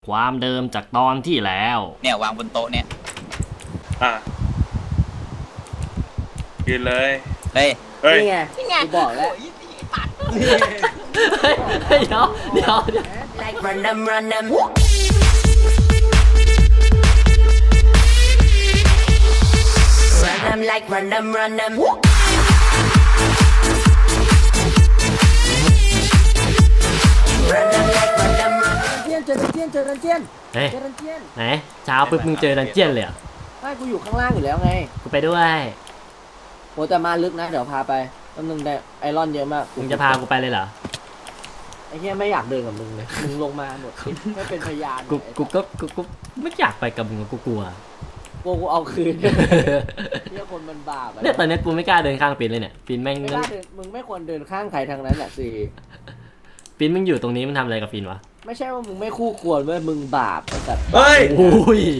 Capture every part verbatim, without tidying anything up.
ความเดิมจากตอนที่แล้วเนี่ยวางบนโต๊ะเนี่ยอ่ะยืนเลยเฮ้ยเฮ้ยนี่ไงกูบอกแล้วเดี๋ยวเดี๋ยวเดี๋ยว like run them run them run them like run them run them run them like run them run เจียนเจอเจียนเจอเจียนเฮ้ยเจอเจียนไหนเช้าปุ๊บมึงเจอดันเจียนเลยอ่ะไม่กูอยู่ข้างล่างอยู่แล้วไงกูไปด้วยโหแต่มาลึกนะเดี๋ยวพาไปต้นนึงได้ไอรอนเยอะมากมึงจะพากูไปเลยเหรอไอ้เหี้ยไม่อยากเดินกับมึงเลยมึงลงมาหมดไม่เป็นพยานกูกูก็กูกูไม่อยากไปกับมึงกูกลัวกลัวกูเอาคืนเนี่ยคนมันบาปเนี่ยตอนนี้กูไม่กล้าเดินข้างปีนเลยเนี่ยปีนแม่งไม่กล้าเดินมึงไม่ควรเดินข้างใครทางนั้นแหละสิปีนมึงอยู่ตรงนี้มันทำอะไรกับปีนวะไม่ใช่ว่ามึงไม่คู่ควรเว้ยมึงบาปไอ้สัตว์เฮ้ยอุ้ย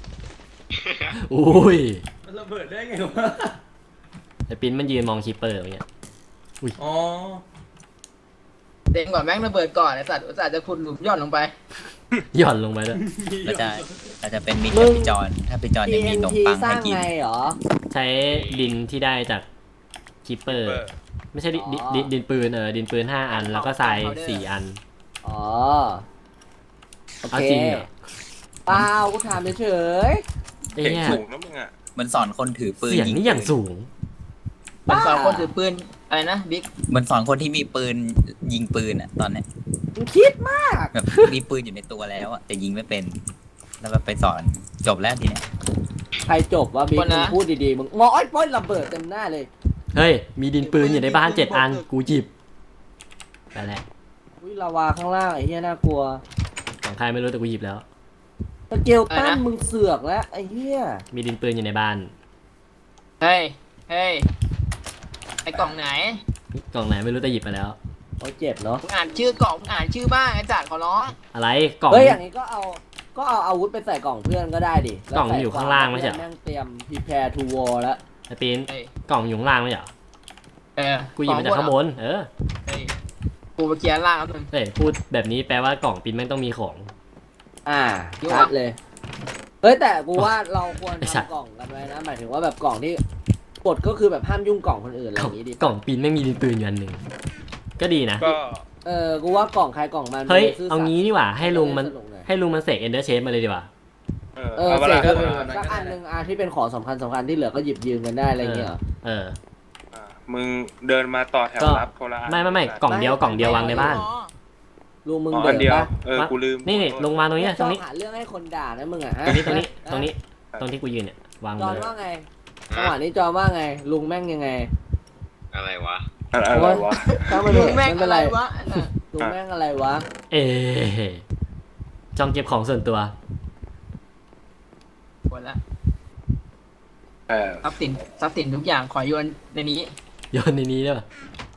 อุ้ยมันระเบิดได้ไงวะแต่ปีนมันยืนมองคีเปอร์อย่างเงี้ยอุ้ยอ๋อเด้งก่อนแม่งระเบิดก่อนไอ้สัตว์อุตส่าห์จะขุดหลุมย่อนลงไปหย่อนลงไปด้วยเราจะเราจะเป็นมิตรกับพี่จอนถ้าพี่จอนยังมีนมปังให้กินเหรอใช้ดินที่ได้จากคีเปอร์ไม่ใช่ดินดินปืนเออดินปืนห้าอันแล้วก็ทรายสี่อันอ๋อโอเคเปล่ากูถามเฉยๆไอ้เนี่ยสูงนะมึงอ่ะมันสอนคนถือปืนเสียงนี่อย่างสูงมันสอนคนถือปืนอะไรนะบิ๊กมันสอนคนที่มีปืนยิงปืนอ่ะตอนเนี้ยมึงคิดมากแบบมีปืนอยู่ในตัวแล้วอ่ะแต่ยิงไม่เป็นแล้วก็ไปสอนจบแล้วทีเนี้ยใครจบวะบิ๊กมึงพูดดีๆมึงมออ้อยป้อยระเบิดเต็มหน้าเลยเฮ้ยมีดินปืนอยู่ในบ้านเจ็ดอันกูหยิบไปแหละอุ้ยลาวาข้างล่างไอ้เหี้ยน่ากลัวของใครไม่รู้แต่กูหยิบแล้วตะเกียวตั้นมึงเสือกแล้วไอ้เหี้ยมีดินปืนอยู่ในบ้านเฮ้ยเฮ้ยไอ้กล่องไหนกล่องไหนไม่รู้แต่หยิบไปแล้วโอ้เจ็บเนาะอ่านชื่อกล่องอ่านชื่อบ้างไอ้จัดขอร้องอะไรกล่องเฮ้ยอย่างนี้ก็เอาก็เอาอาวุธไปใส่กล่องเพื่อนก็ได้ดิกล่องอยู่ข้างล่างไม่ใช่แม่งเตรียม prepare to war แล้วไอ้ปีนกล่องอยู่ข้างล่างไม่ใช่เออกูหยิบมาจากข้างบนเออกูไปเคลียร์ล่างแล้วมึงเฮ้ยพูดแบบนี้แปลว่ากล่องปีนแม่งต้องมีของอ่าชัดเลยเฮ้ยแต่กูว่าเราควรทำกล่องกันไว้นะหมายถึงว่าแบบกล่องที่กฎก็คือแบบห้ามยุ่งกล่องคนอื่นอะไรอย่างนี้ดิกล่องปีนไม่มีดินปืนอยู่อันหนึ่งก็ดีนะก็เออกูว่ากล่องใครกล่องมันเฮ้ยเอางี้ดีกว่าให้ลุงมันให้ลุงมันเสกเอนเดอร์เชฟมาเลยดีกว่าเออเสกสักอันหนึ่งอ่ะที่เป็นของสำคัญสำคัญที่เหลือก็หยิบยืมกันได้อะไรเงี้ยเออมึงเดินมาต่อแถวรับโคราไม่ไม่ไม่กล่องเดียวกล่องเดียววางในบ้านลุงมึงเดินปะเออกูลืมนี่นี่ลงมาตรงนี้ตรงนี้หาเรื่องให้คนด่านะมึงอ่ะตรงนี้ตรงนี้ตรงนี้ตรงที่กูยืนเนี่ยวางเลยจอว่าไงจังหวะนี้จอว่าไงลุงแม่งยังไงอะไรวะอะไรวะลุงแม่งอะไรวะลุงแม่งอะไรวะเอ๊จองเก็บของส่วนตัวหมดละทรัพย์สินทรัพย์สินทุกอย่างขอโยนในนี้โยนในนี้ด้วย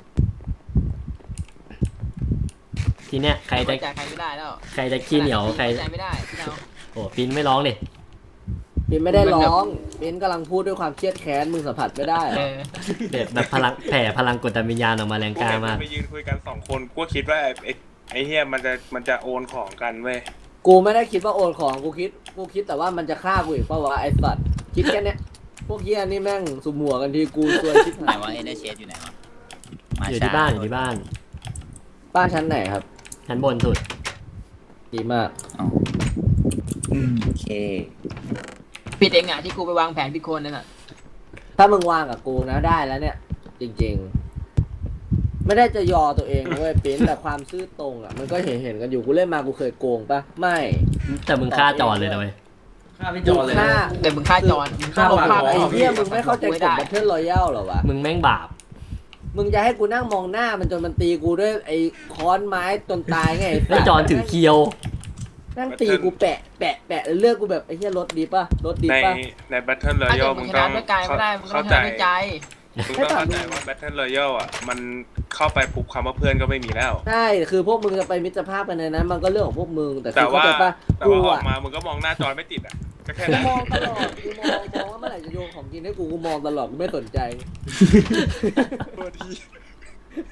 ทีเนี้ยใครจะใครไม่ได้แล้วใครจะขี้เหนียวใครไม่ได้โอ้ปินไม่ร้องดิปินไม่ได้ร้องปินกำลังพูดด้วยความเครียดแค้นมึงสัมผัสไม่ได้แบบแบบพลังแผ่พลังกดวิญญาณออกมาแรงกล้ามากไปยืนคุยกันสองคนกูคิดว่าไอ้ไอ้เฮียมันจะมันจะโอนของกันเว้ยกูไม่ได้คิดว่าโอนของกูคิดกูคิดแต่ว่ามันจะฆ่ากูอีกเพราะว่าไอ้สัตว์คิดแค่นี้พวกเฮียนี่แม่งสุ่มหัวกันทีกูซวยชิบหายไหนวะเอ็นเดอร์เชฟอยู่ไหนวะอยู่ที่บ้านอยู่ที่บ้านบ้านชั้นไหนครับชั้นบนสุดดีมากโอเคปิดเองอ่ะที่กูไปวางแผนพิโคนนั่นแหละถ้ามึงวางกับกูนะได้แล้วเนี่ยจริงๆไม่ได้จะยอตัวเองเว้ยปิ้นแต่ความซื่อตรงอ่ะมันก็เห็นเห็นกันอยู่กูเล่นมากูเคยโกงปะไม่แต่มึงฆ่าจอนเลยนะเว้ยฆ่าไม่จอนเลยแต่มึงฆ่าจอนมึงฆ่าไอ้เหี้ยมึงไม่เข้าใจกฎบัตเทิลรอยัลหรอวะมึงแม่งบาปมึงจะให้กูนั่งมองหน้ามันจนมันตีกูด้วยไอ้ค้อนไม้จนตายไงไอ้จอนถือเคียวนั่งตีกูแปะแปะแปะเลือกกูแบบไอ้เหี้ยรถดีป่ะรถดีป่ะในในแบทเทิลรอยัลมึงต้องเข้าใจมึงต้องเข้าใจว่าแบทเทิลรอยัลอ่ะมันเข้าไปปุ๊บคำว่าเพื่อนก็ไม่มีแล้วใช่คือพวกมึงจะไปมิตรภาพกันในนั้นมันก็เรื่องของพวกมึงแต่แต่ว่าแต่ว่าออกมามึงก็มองหน้าจอยไม่ติดอ่ะก็แค่นั้นมองตลอดกูมองมองว่าเมื่อไหร่จะโยนของกินให้กูกูมองตลอดกูไม่สนใจ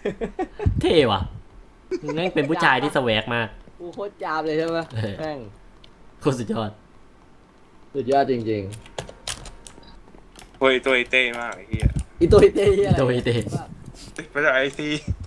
เท่ว่ะมึงแม่งเป็นผู้ชายที่สแวกมากกูโคตรจามเลยใช่ไหมแม่งโคตรสุดยอดสุดยอดจริงเฮ้ยตัวไอเต้มากไอ้เหี้ยๆอีตัวอีเต้เหี้ยอะไรอีตัวอีเต้มาจากไอซี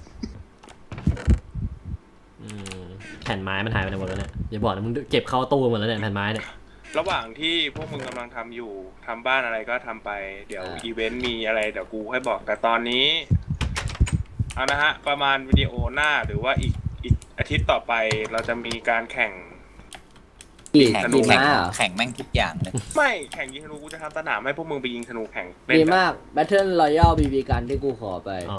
อืมแผ่นไม้มันหายไปไหนหมดแล้วเนี่ยอย่าบอกนะมึงเก็บเข้าตู้หมดแล้วเนี่ยแผ่นไม้เนี่ยระหว่างที่พวกมึงกำลังทำอยู่ทำบ้านอะไรก็ทำไปเดี๋ยวอีเวนต์มีอะไรเดี๋ยวกูให้บอกแต่ตอนนี้เอานะฮะประมาณวิดีโอหน้าหรือว่าอีกอีกอาทิตย์ต่อไปเราจะมีการแข่งกี่แข่งกี่แข่งม้าเหรอแข่งแม่งทุกอย่างเลยไม่แข่งยิงธนูกูจะทำสนามให้พวกมึงไปยิงธนูแข่งเล่นดีกันมาก Battle Royale บี บี กันที่กูขอไปอ๋อ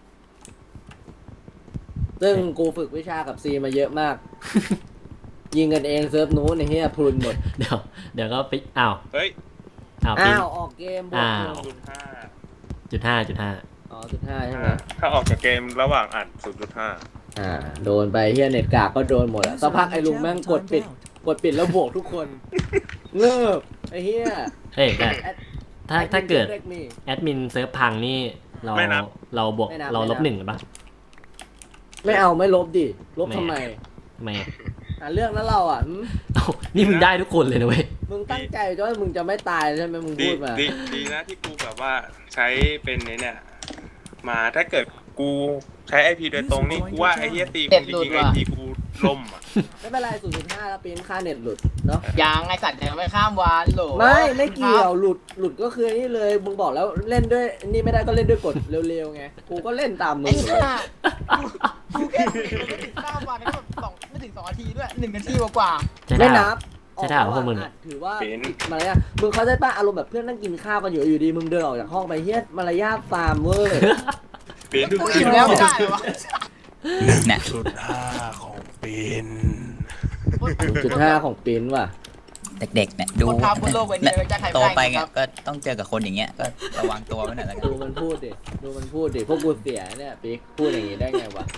ซึ่งกูฝึกวิชากับซีมาเยอะมาก ยิงกันเองเซิร์ฟนู้นไอ้เหี้ยพรุนหมดเดี๋ยวเดี๋ยวก็ไปอ้าวเฮ้ยอ้าวปิ๊อ้าง ว ออกเกมบวกอ้าหนึ่วงจุดห้าจุดห้าจุดห้าอ๋อจุดห้าใช่ไหมถ้าออกจากเกมระหว่างอัดศูนย์จุดห้าอ่า โดนไปเฮียเน็ตกากก็โดนหมดอะสักพักไอ้ลุงแม่งกดปิด กดปิดแล้วบวกทุกคน เงิบไอ้เฮียเฮ้ยแต่ถ้าถ้าเกิดแอดมินแอดมินเซิร์ฟพังนี่เราเราบวกไม่นับเราลบไม่นับหนึ่งหรือปะไม่เอาไม่ลบดิ ลบไม่ทำไมทำไมอ่าเรื่องนั้นเราอ่ะหืมเอ้านี่มึงได้ทุกคนเลยนะเว้ยมึงตั้งใจจะว่ามึงจะไม่ตายใช่ไหมมึงดีพูดมาดีดีนะที่กูแบบว่าใช้เป็นไอ้เนี่ยมาถ้าเกิดกูใช้ไอพีโดยตรงนี่กูว่าไอเฮียตีกูจริงๆไอพีกูล่มอ่ะไม่เป็นไรศูนย์จุดห้าแล้วปีนค่าเน็ตหลุดเนาะยังไอสัตว์ยังไม่ข้ามวันโหลไม่ไม่เกี่ยวหลุดหลุดก็คือนี่เลยมึงบอกแล้วเล่นด้วยนี่ไม่ได้ก็เล่นด้วยกดเร็วๆไงกูก็เล่นตามมึไอ้งห่ากูแค่ไม่ถึงข้ามวันก็แบบสองไม่ถึงสองนาทีด้วยหนึ่งนาทีกว่าใช่ไม่ได้นับใช่ได้เหรอพวกมึงอัดถือว่าเป็นผิดมารยาทมึงเขาใจป่ะอารมณ์แบบเพื่อนนั่งกินข้าวกันอยู่อยู่ดีมึงเดินออกจากห้องไปเฮียมารยาทฟาร์มเวอร์เป็นๆกูอิ่มแล้วไม่ได้เหรอวะเนี่ยจุดห้าของเป็นจุดห้าของปิ้นว่ะเด็กๆเนี่ยดูคนทำบนโลกใบนี้จะใครโตไปไปไงครับก็ต้องเจอกับคนอย่างเงี้ยก็ระวังตัวไว้หน่อยแล้วกันดูมันพูดดิดูมันพูดดิพวกกูเสียเนี่ยปิ๊กพูดอย่างงี้ได้ไงวะ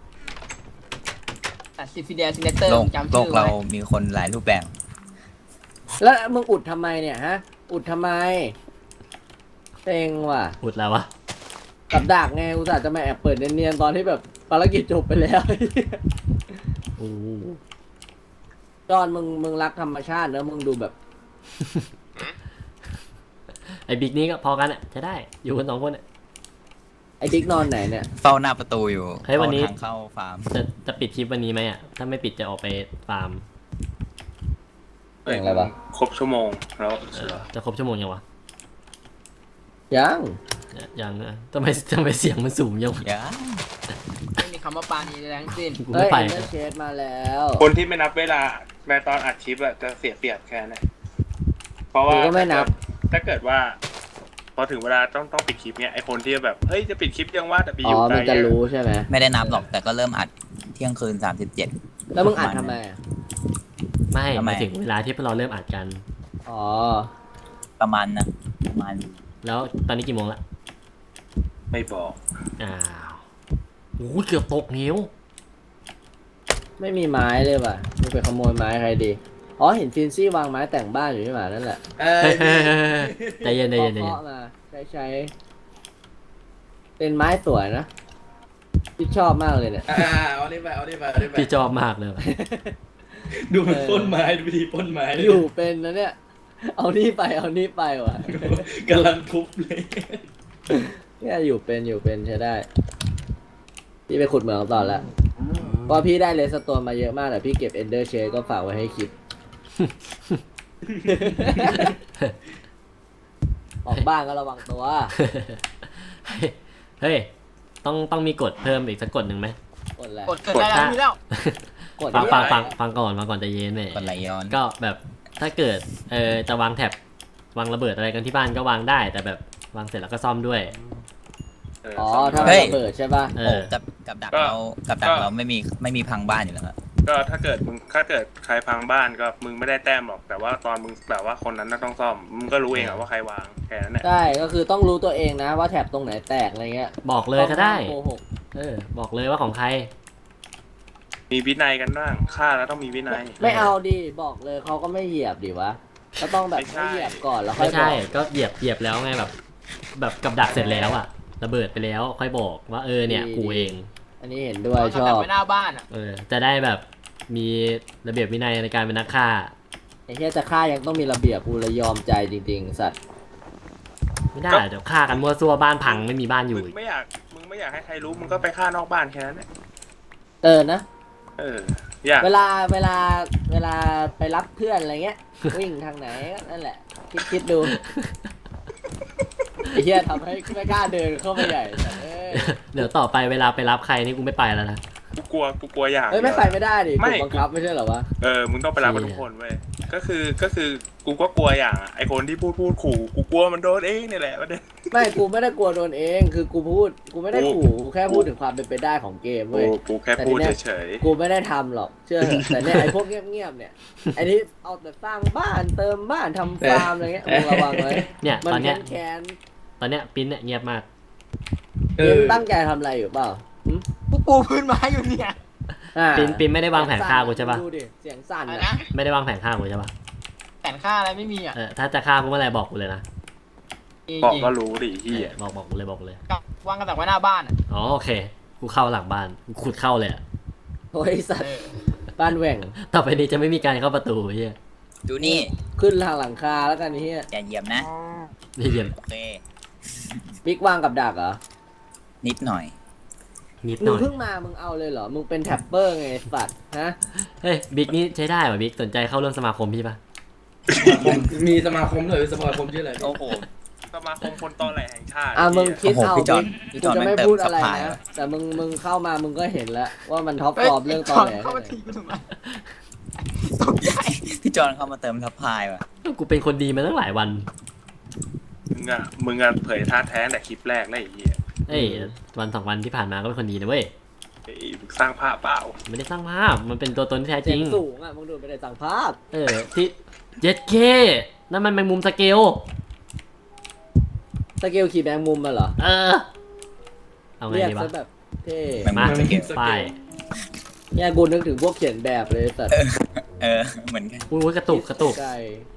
แต่ซิฟิเดียซินเนเตอร์โลกจำโลชื่กอเราไว้มีคนหลายรูปแบบแล้วมึงอุดทำไมเนี่ยฮะ อุดทำไมเต็งว่ะอุดแล้ววะกับดักไงอุตส่าห์จะมาแอบเปิดเนียนๆตอนที่แบบภารกิจจบไปแล้วโอ้จอนมึงมึงรักธรรมชาติเนอะมึงดูแบบไอ้บิ๊กนี่ก็พอกันอ่ะจะได้อยู่กันสองคนอ่ะไอ้ดิ๊กนอนไหนเนี่ยเฝ้าหน้าประตูอยู่เฮ้ยวันนี้ทางเข้าฟาร์มจะจะปิดคลิปวันนี้ไหมอ่ะถ้าไม่ปิดจะออกไปฟาร์มเสียงอะไรวะครบชั่วโมงแล้วเออจะครบชั่วโมงยังวะยังยังนะทำไมทำไมเสียงมันสูงยังวะอย่าไม่มีคำว่าปานีใดทั้งสิ้นกูเฮ้ไม่ยไปเอ็นเตอร์เชดมาแล้วคนที่ไม่นับเวลาแม้ตอนอัดคลิปอะจะเสียเปรียบแค่นั้นเพราะว่ากูก็ไม่นับถ้าเกิดว่า พอถึงเวลาต้องต้องปิดคลิปเนี่ยไอคนที่แบบเฮ้ยจะปิดคลิปยังว่าแต่ไปออ๋อยู่ไกลมันจะรู้ใช่ไหมไม่ได้นับหรอกแต่ก็เริ่มอัดเที่ยงคืนสามสิบเจ็ดแล้วมึงอัดทำไมอะไม่ทำไมหมายถึงเวลาที่พวกเราเริ่มอัดกันอ๋อประมาณนะประมาณแล้วตอนนี้กี่โมงละไม่บอกอ้าวโอ้ยเกือบตกนิ้วไม่มีไม้เลยว่ะมึงไปขโมยไม้ใครดีอ๋อเห็นฟินซี่วางไม้แต่งบ้านอยู่ใช่ไหมนั่นแหละเฮ้ยเฮ้ยเฮ้ยเฮ้ยใจเย็นใจเย็นใจเย็นเคาะๆมาใช้ใช้เป็นไม้สวยนะพี่ชอบมากเลยเนี่ยอ่าเอานี่ไปเอานี่ไปเอานี่ไปพี่ชอบมากเลยว่ะดูมันปล้นไม้ดูวิธีปล้นไม้อยู่เป็นนะเนี่ย เอานี่ไปเอานี่ไปว่ะกำลังทุบเลยเนี่ยอยู่เป็นอยู่เป็นใช้ได้ พี่ไปขุดเหมืองต่อละเพราะพี่ได้เลสโตนมาเยอะมากแต่พี่เก็บเอนเดอร์เชดก็ฝากไว้ให้คิด ออกบ้านก็ระวังตัวเฮ้ยต้องต้องมีกฎเพิ่มอีกสักกฎหนึ่งไหมกดแล้วกดเกิดได้แล้วมีแล้วกดฟังเยฟังอะฟังฟังก่อนฟังก่อนใจเย็นเนี่ยคนไหลย้อนก็แบบถ้าเกิดเออจะวางแท็บวางระเบิดอะไรกันที่บ้านก็วางได้ แต่แบบวางเสร็จแล้วก็ซ่อมด้วยเอออ๋อซ่อมถ้าได้มันระเบิดใช่ป่ะเอโอ้อกับกับดักก็เรากับดักก็เราไม่มีไม่มีพังบ้านอยู่แล้วครับก็ถ้าเกิดมึงถ้าเกิดใครพังบ้านก็มึงไม่ได้แต้มหรอกแต่ว่าตอนมึงแบบว่าคนนั้นน่ะต้องซ่อมมึงก็รู้เองอะว่าใครวางแค่นั้นแหละใช่ก็คือต้องรู้ตัวเองนะว่าแถบตรงไหนแตกอะไรเงี้ยบอกเลยก็ได้โกหกเออ บอกเลยว่าของใครมีวินัยกันบ้างฆ่าแล้วต้องมีวินัยไม่เอาดิบอกเลยเขาก็ไม่เหยียบดิวะก็ต้องแบบไม่ใช่ให้เหยียบก่อนแล้วค่อไม่ยบใช่อกก็เหยียบเหยียบแล้วไงแบบ แบบกับดักเสร็จแล้วอะระเบิดไปแล้วค่อยบอกว่าเออเนี่ยกูเองอันนี้เห็นด้วยชเอาอแบบบไว้หน้าบ้านอ่ะเออจะได้แบบมีระเบียบวินัยในการเป็นนักฆ่าไอ้เหี้ยจะฆ่ายังต้องมีระเบียบกูเลยยอมใจจริงๆสัตว์ไม่ได้เดี๋ยวฆ่ากันมั่วซั่วบ้านพังไม่มีบ้านอยู่มึงไม่อยากมึงไม่อยากให้ใครรู้มึงก็ไปฆ่านอกบ้านแค่นั้นแหละเออนะเอออยากเวลาเวลาเวลาไปรับเพื่อนอะไรเงี้ย วิ่งทางไหนก็นั่นแหละ คิดคิดดูไอ้เหี้ยทำให้ไม่กล้าเดินเข้าไปใหญ่แต่เอ้ยเดี๋ยวต่อไปเวลาไปรับใครนี่กูไม่ไปแล้วนะกูกลัวกูกลัวอย่างเอ้ยไม่ไปไม่ได้ดิไม่ถูกบังคับไม่ใช่เหรอวะเออมึงต้องไปรับกับทุกคนเว้ยก็คือก็คือกูก็กลัวอย่างอะไอคนที่พูดพูดขู่กูกลัวมันโดนเองนี่แหละประเด็นไม่กูไม่ได้กลัวโดนเองคือกูพูดกูไม่ได้ขู่กูแค่พูดถึงความเป็นไปได้ของเกมกูเว้ยกูแค่พูดเฉยกูไม่ได้ทำหรอกเชื่อเถอะแต่เนี่ยไอ้พวกเงียบๆเนี่ยไอ้นี่เอาแต่สร้างบ้านเติมบ้านทำฟาร์มอะไรเงี้ยมึงระวังไว้เนี่ยมันตอนเนี้ยแค้นตอนเนี้ยปิ้นเนี่ยเงียบมากเอๆอมึงตั้งใจทำอะไรอยู่เปล่าหึกูปูพื้นไม้อยู่เนี่ยอ่าปิ้นปิ้นไม่ได้วางแผนฆ่ากูใช่ปะดูดิเสียงสั่นอะไรอะนะไม่ได้วางแผนฆ่ากูใช่ปะแผนค่าอะไรไม่มีอ่ะเออถ้าจะฆ่ากูเมื่อไหรบอกกูเลยนะจริงๆบอกจริงก็รู้ดิเฮียเออบอกบอกกูเลยบอกกูเลยวางกระดักไว้หน้าบ้านอ่ะอ๋อโอเคกูเข้าหลังบ้านกูขุดเข้าเลยอะโอ้ยสัตเอว์อบ้านแหว่งต่อไปนี้จะไม่มีการเข้าประตูเฮียดูนี่ขึ้นทางหลังคาแล้วกันนี่เฮียอย่าเหยียบนะนี่เรียนโอเคบิ๊กวางกับดักเหรอนิดหน่อยนิดหมึน่งอยเพิ่งมามึงเอาเลยเหรอมึงเป็นแท็ปเปอร์ไงสัตว์ฮะเฮ้ยบิ๊กนี่ใช้ได้ป่ะบิ๊กสนใจเข้าร่วมสมาคมพี่ปะผมมีสมาคมเลยสมาคมชื่ออะไรโอ้โหสมาคมคนตอแหลแห่งชาติอ่ะมึงคิดโอ้โหเอาพี่จอนบิ๊กพี่กูจอนจะไม่แม่งเติมพูดอะไรซัพพลายนะว่ะแต่มึงมึงเข้ามามึงก็เห็นแล้วว่ามันท็อปเฮ้ยฟอร์มเรื่องตอแหลเข้ามาแค่ทีไหนกูถูกไหมตกใจพี่จอนเข้ามาเติมทัพพายว่ะกูเป็นคนดีมาตั้งหลายวันมึงอ่ะมึงอ่ะเผยท่าแท้แต่คลิปแรกแล้วไอ้เหี้ยเอ้ยวันสองวันที่ผ่านมาก็เป็นคนดีนะเว้ยไอ้มึงสร้างภาพเปล่าไม่ได้สร้างภาพมันเป็นตัวตนที่แท้จเสีริยงงสูงอ่ะมึงดูไปได้สั่งภาพเออที่เจ็ดเคนั่นมันแมงมุมสเกลสเกลขี่แมงมุมมาเหรอเออเอาไงเรียกดีวะซะแบบเท่แมงมุมาสเกลป้ายเนี่ยกูนึกถึงพวกเขียนแบบเลยสัตว์เออเหมือนกันอุ้ยกระตุกกระตุกไก่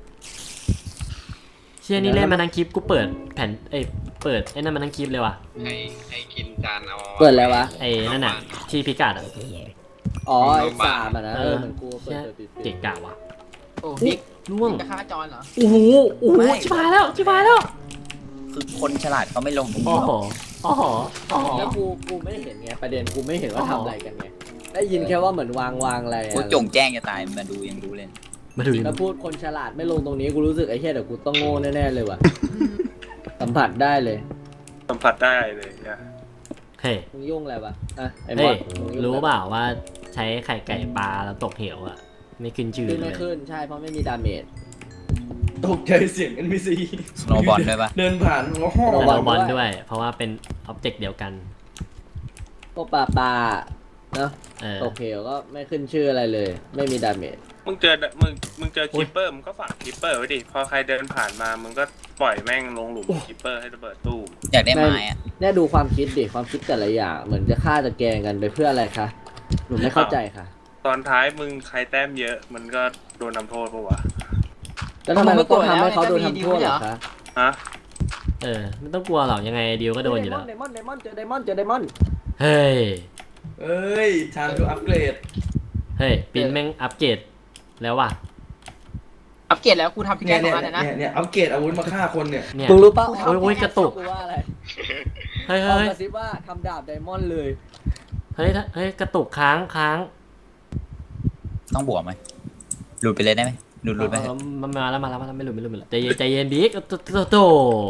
เชี่ยนี่เล่นมาทั้งคลิปกูเปิดแผ่นเอ้ยเปิดไอ้นั่นมาทั้งคลิปเลยว่ะให้ให้กินจานเอาเปิดแล้ววะไอ้นั่นน่ะที่พิกัดอ่ะอ๋อไอ้สามอ่ะนะเอเอออเหมือนกูเปิดเชี่ยเปิดปิดปิดเก่งกะว่ะโอ้บิ๊กล่วงจะฆ่าจอนเหรอโอ้โหโอ้โหชิบหายแล้วชิบหายแล้วคือคนฉลาดเขาไม่ลงตรงโอ้นี้หรโหอกโอ้โหโอ้โหแล้วกูกูไม่เห็นไงประเด็นกูไม่เห็นว่าอ๋อทำอะไรกันไงได้ยินแค่ว่าเหมือนวางวางอะไรอะกูจงแจ้งจะตายมาดูยังรู้เลยมาดูดิแล้วพูดคนฉลาดไม่ลงตรงนี้กูรู้สึกไอ้เหี้ยเดี๋ยวกูต้องโง่แน่ๆเลยว่ะ สัมผัสได้เลยสัมผัสได้เลยนะเฮ้ยมึงยุ่งอะไรวะอ่ะไอ้มเฮ้อย สมึงยุ่งรู้อะไเปล่าว่าใช้ไข่ไก่ปลาแล้วตกเหวอ่ะไม่ขึ้นชื่อขึ้นเลไม่ยขึ้นใช่เพราะไม่มีดาเมจตกใจเสียง เอ็น พี ซีสโนว์บอลด้วยปะเดินผ่านโอ้โหระแต่วังเราบอลด้วยด้วย เพราะว่าเป็นอ็อบเจกต์เดียวกันพวกปลาปลาเนาะเออตกเหวก็ไม่ขึ้นชื่ออะไรเลย ไม่มีดาเมจมึงเจอมึงมึงเจอคิปเปอร์มึงก็ฝังคิปเปอร์ไว้ดิพอใครเดินผ่านมามึงก็ปล่อยแม่งลงหลุมคิปเปอร์ให้ระเบิดตู้มอยากได้ไม้อะเนี่ยดูความคิดดิความคิดแต่ละอย่างเหมือนจะฆ่าจะแกล้งกันไปเพื่ออะไรคะหนูไม่เข้าใจค่ะตอนท้ายมึงใครแต้มเยอะมันก็โดนทำโทษปะวะแล้วทำไมเราต้องทำให้เขาโดนทำโทษเหรอคะฮะเออไม่ต้องกลัวหรอกยังไงดิวก็โดนอยู่แล้วไดมอนด์ไดมอนด์เจอไดมอนด์เจอไดมอนด์เฮ้ยเอ้ยทางดูอัปเกรดเฮ้ยปินแม่งอัปเกรดแล้วว่ะอัปเกรดแล้วกูทำพิกแกเนี่ยนเนี่ยมาเลยนะเนี่ยเนี่ยอัปเกรดอาวุธมาฆ่าคนเนี่ยเนี่ยมึงรู้ป่ะโอ้ยโอ้ยกระตุกกูว่าอะไรเฮ้ยเอาเฮ้ยกระซิบว่าทำดาบไดมอนด์เลยเฮ้ยเฮ้ยกระตุกค้างค้างต้องบวกไหมหลุดไปเลยได้ไหมหลุดหลุดไปเออมันมาแล้วมาแล้วมาแล้วไม่หลุดไม่หลุดไม่หลุดใจเย็นใจเย็นบิ๊กโตโตโต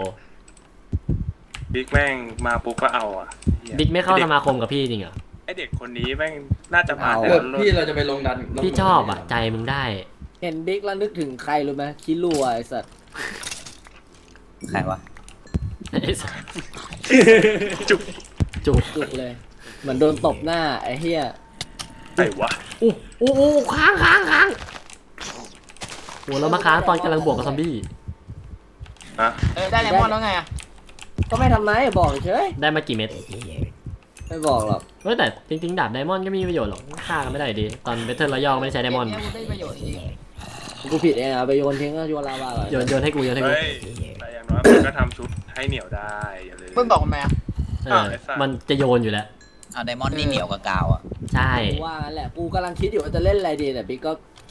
บิ๊กแม่งมาปุ๊บก็เอาอ่ะหี้ยบิ๊กไม่เข้าอ้สด็มาคมกับพี่จริงเหรอไอเด็กคนนี้แม่งน่าจะผ่านเอาแต่เออละรุ่นพี่เราจะไปลงดันลงพี่ชอบอ่ะใจมึงได้เห็นบิ๊กแล้วนึกถึงใครรู้ไหมคิรัวไอ้สัตว์ใครวะไอ้สัสจุกจุกจุกเลย เหมือนโดนตบหน้าไอ้เหี้ยไอ้วะอู้อู้อู้ค้างค้างค้างโหเรามาค้างตอนกำลังบวกกับซอมบี้ฮะเออได้เลมอนแล้วไงอ่ะก็ไม่ทำไมบอกเฉยได้มากี่เม็ดไม่บอกหรอกเฮ้ยแต่จริงๆดาบไดมอนด์ก็ไมมีประโยชน์หรอกฆ่ากันไม่ได้ดีตอนเบทเทิลรอยัลไม่ได้ใช้ไดมอนด์เยได้ประโยชน์จริงกูผิดเองอะไปโยนทิ้งก็โยนลาวาเลยโยนโยนให้กูโยนให้กูเฮ้ยแต่อย่างน้อยมันก็ทำชุดให้เหนียวได้อย่าลืมเพิ่งบอกมาอ่ะเออมันจะโยนอยู่แล้วเอาไดมอนด์นี่เหนียวกับกาวอ่ะใช่กูว่างั้นแหละกูกำลังคิดอยู่ว่าจะเล่นอะไรดีแต่บิ๊กก็คิด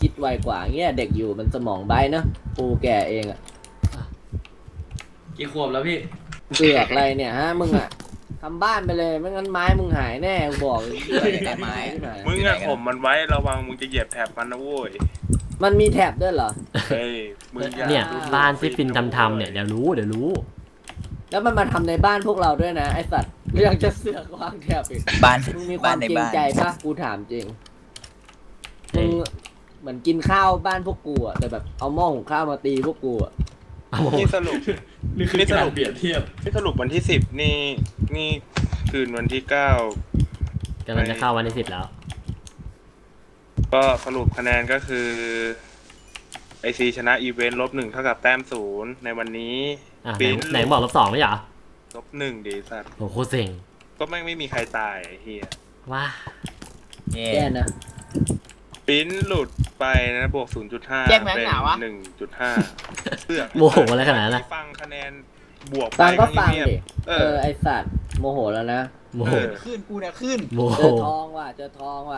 คิดไวกว่าเงี้ยเด็กอยู่มันสมองใบเนอะกูแก่เองอะกี่ขวบแล้วพี่เสือกอะไรเนี่ยฮะมึงอะทำบ้านไปเลยไม่งั้นไม้มึงหายแน่กูบอกเลยแต่ไม้ที่ไหนมึงอะผมมันไว้ระวังมึงจะเหยียบแถบมันนะโว้ยมันมีแท็บด้วยเหรอเฮ้ยมึงอาเนี่ยดูบ้านที่ปินทำทำเนี่ยเดี๋ยวรู้เดี๋ยวรู้แล้วมันมาทำในบ้านพวกเราด้วยนะไอสัตว์ยังจะเสือกวางแท็บอีกบ้านมึงมีคาน มบ้าวในเกรงบ้านใจปะกูถามจริงเฮ้มึยงเหมือนกินข้าวบ้านพวกกูอะแต่แบบเอาหม้อหุงข้าวมาตีพวกกูอะเอาโหนี่สรุปนี่คือการเปรียบเทียบนี่สรุปวันที่สิบนี่นี่คืนวันที่เก้ากำลังจะเข้าวันที่สิบแล้วก็สรุปคะแนนก็คือไอซีชนะอีเวนต์ลบหนึ่งเท่ากับแต้มศูนย์ในวันนี้อ่ะไหนปิ้นไหนบอกลบสองไม่ใช่เหรอลบหนึ่งดีสัตว์โหโคตรเซ็งก็ไม่ไม่มีใครตายไอ้เฮียว้าเย่แย่นะปิ้นหลุดไปนะบวกศูนย์จุดห้าแยกแม่งเป็นหนาวะหนึ่งจุดห้าเพื่อโมโหอะไรขนาดนั้นนะฟังคะแนนบวกไปฟังก็ฟังเงียบดิๆเอเอออไอสัตว์โมโหแล้วนะโมโหเออขึ้นกูเนี่ยขึ้นโมโหเจอทองว่ะเจอทองว่ะ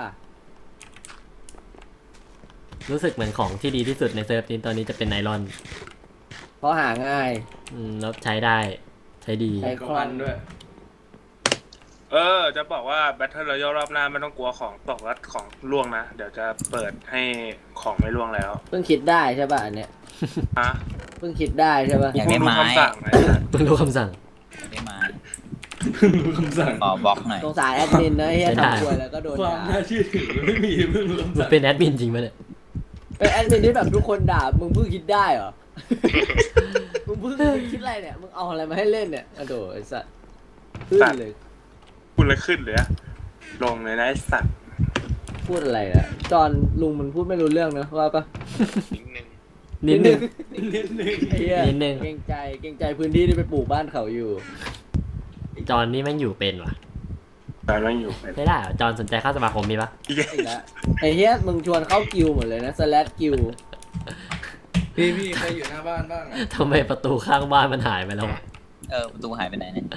รู้สึกเหมือนของที่ดีที่สุดในเซิร์ฟนี้ตอนนี้จะเป็นไนลอนเพราะหาง่ายอืมแล้วใช้ได้ใช้ดีใช้กับมันด้วยเออ จะบอกว่า Battle Royale รอบหน้าไม่ต้องกลัวของตกและของล่วงนะ เดี๋ยวจะเปิดให้ของไม่ล่วงแล้วเพิ่งคิดได้ใช่ป่ะอันเนี้ยฮะเพิ่งคิดได้ใช่ป่ะอยากมึได้งดูไม้คำสั่งไหมเพิ่งรู้คำสั่งได้ไม้เพิ่งรู้คำสั่งขอบล็อกหน่อยสงสารแอดมินนะเฮียใช้ได้ทำควยแล้วก็โดนความด่าน่าเชื่อถือมันไม่มีเพิ่งรู้คำมันสั่งเป็นแอดมินจริงไหมเนี่ยเป็นแอดมินที่แบบทุกคนด่ามึงเพิ่งคิดได้เหรอ มึงเพิ่งคิดอะไรเนี่ยมึงเอาอะไรมาให้เล่นเนี่ยอะโดไอ้สัตว์ขึ้นเลยคุณละขึ้นเลยอะลงเลยนะไอ้สัตว์พูดอะไรอะจอนลุงมันพูดไม่รู้เรื่องนะว่าปะนิดนึงนิดนึงนิดนึงไอ้เหี้ยนิดนึงเกรงใจเกรงใจพื้นที่ที่ไปปลูกบ้านเขาอยู่จอนนี่แม่งอยู่เป็นว่ะแต่ไม่อยู่เป็นไม่ได้เหรอจอนสนใจเข้าสมาคมมีปะอีกไอ้ละไอ้เฮียมึงชวนเข้ากิวหมดเลยนะสแลดกิวพี่พี่ใครอยู่หน้าบ้านบ้างอะทำไมประตูข้างบ้านมันหายไปแล้ววะเออประตูหายไปไหนเนี่ย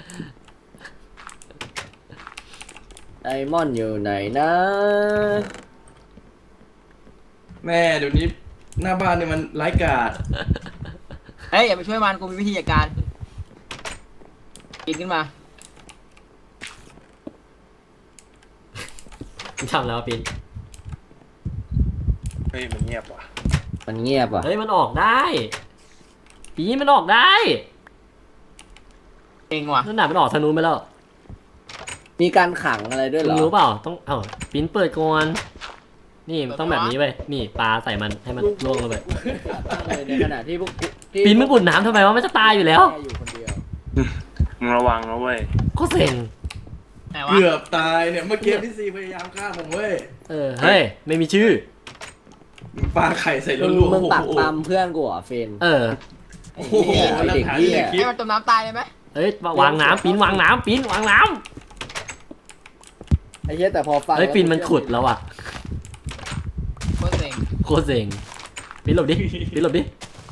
ไดมอนด์อยู่ไหนนะแม่เดี๋ยวนี้หน้าบ้านเนี่ยมันไร้กาดเฮ้ยอย่าไปช่วยมันกูมีวิธีจัดการกินขึ้นมาทำแล้วปินเฮ้ยมันเงียบว่ะมันเงียบอ่ะเฮ้ยมันออกได้ปีมันออกได้เองว่ะนั่นน่ะมันออกทางนู้นไปแล้วมีการขังอะไรด้วยเหรมึองรู้เปล่าต้องเอ้าปิ้นเปิดก่อนนี่มันต้องแบบนี้เว้ยนี่ปลาใส่มันให้มันล่วงลงไปตั้งเลยในขณะที่พวกกูที่ปิ้นมึงอุ่นน้ำทำไมวะมันจะตายอยู่แล้วแค่อยู่คนเดียวมึงระวังนะเว้ยก็เซ็งไหนวะเกือบตายเนี่ยเมื่อกี้พี่ซีพยายามฆ่าผมเว้ยเออเฮ้ยไม่มีชื่อปลาไข่ใส่มึงรัวๆมึงโอ้โหปักปั๊มเพื่อนกูเหรอเฟนเออไอ้เหี้ยไอ้เด็กเหี้ยให้มันจมน้ำตายเลยไหมเอ้ยวางน้ำปิ้นวางน้ำปิ้นวางน้ไอ้เหี้ยแต่พอฟังำเฮ้ยปิ้นมันขุดแล้วอ่ะโคตรเซ็งโคตรเซ็งปิ้นหลบดิปิ้นหลบดิ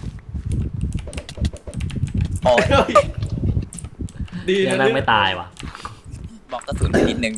โอ้ยเฮ้ยดียังนะแม่งเนี่ยไม่ตายว่ะบล็อกกระสุนไปนิดนึง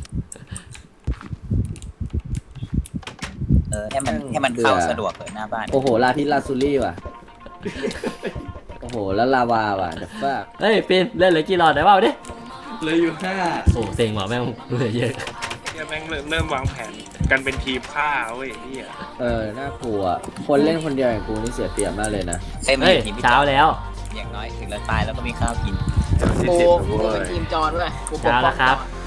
เออให้มันให้มันเข้าสะดวกเลยหน้าบ้านโอ้โหลาทิลาซูรี่ว่ะโอ้โหแล้วลาวาว่ะเดี๋ยวฟ้าเฮ้ยปิ้นเล่นเหลยกี่หลอดได้เปล่าดิเหลยอยู่ห้าโอ้เซ็งว่ะแม่งเหลือเยอะเนี่ยแม่งเริ่มเริ่มวางแผนกันเป็นทีมฆ่าเว้ยไอ้เฮียเออน่ากลัวคนเล่นคนเดียวอย่างกูนี่เสียเปรียบมากเลยนะเฮ้ยมันเฮ้ยอยู่ทีมพี่จเช้าอนแล้วอย่างน้อยถึงเราตายแล้วก็มีข้าวกินกูกูเป็นทีมจอนด้วยกูปกเช้าป้แล้อวงครับจอน